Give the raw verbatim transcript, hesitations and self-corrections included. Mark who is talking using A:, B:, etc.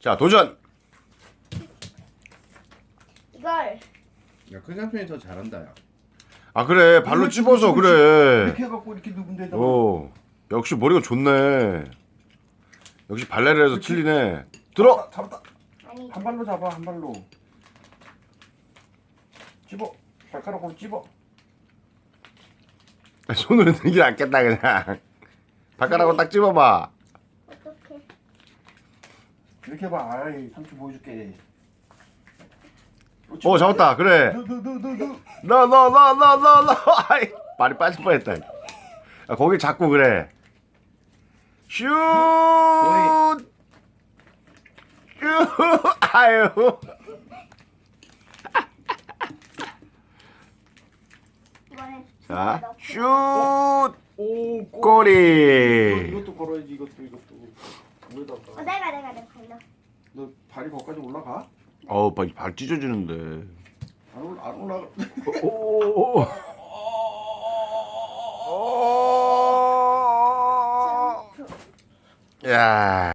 A: 자, 도전.
B: 이걸
C: 야, 큰 삼촌이 더 잘한다. 야.
A: 아, 그래. 발로 찝어서 그래.
C: 이렇게 해갖고 이렇게 누군 데다가.
A: 어. 역시 머리가 좋네. 역시 발레리아에서 틀리네. 들어.
C: 잡았다.
B: 아니
C: 한 발로 잡아, 한 발로. 집어. 발가락으로 집어.
A: 손으로 들는 게 낫겠다 그냥. 발가락으로 딱 찝어봐.
B: 어떻게?
C: 이렇게 해봐. 아이, 삼촌 보여줄게.
A: 어, 잡았다. 그래.
C: 너너너너너.
A: 너 너 너 너 너 너. 아이, 발이 빠질 뻔했다. 아, 거기 잡고 그래. 슛. 슛. 아유.
B: 이번엔
A: 자,
B: 넣고.
A: 슛.
C: 오,
A: 꼬리.
C: 이것도 걸어야지. 이것도 이것도.
B: 어,
C: 위에다가.
B: 내가 내가 내가 걸려.
C: 너 발이 거기까지 올라가?
A: 어우, 발, 발 찢어지는데.
C: 안, 올, 안 올라가.
A: 오. 오. 야.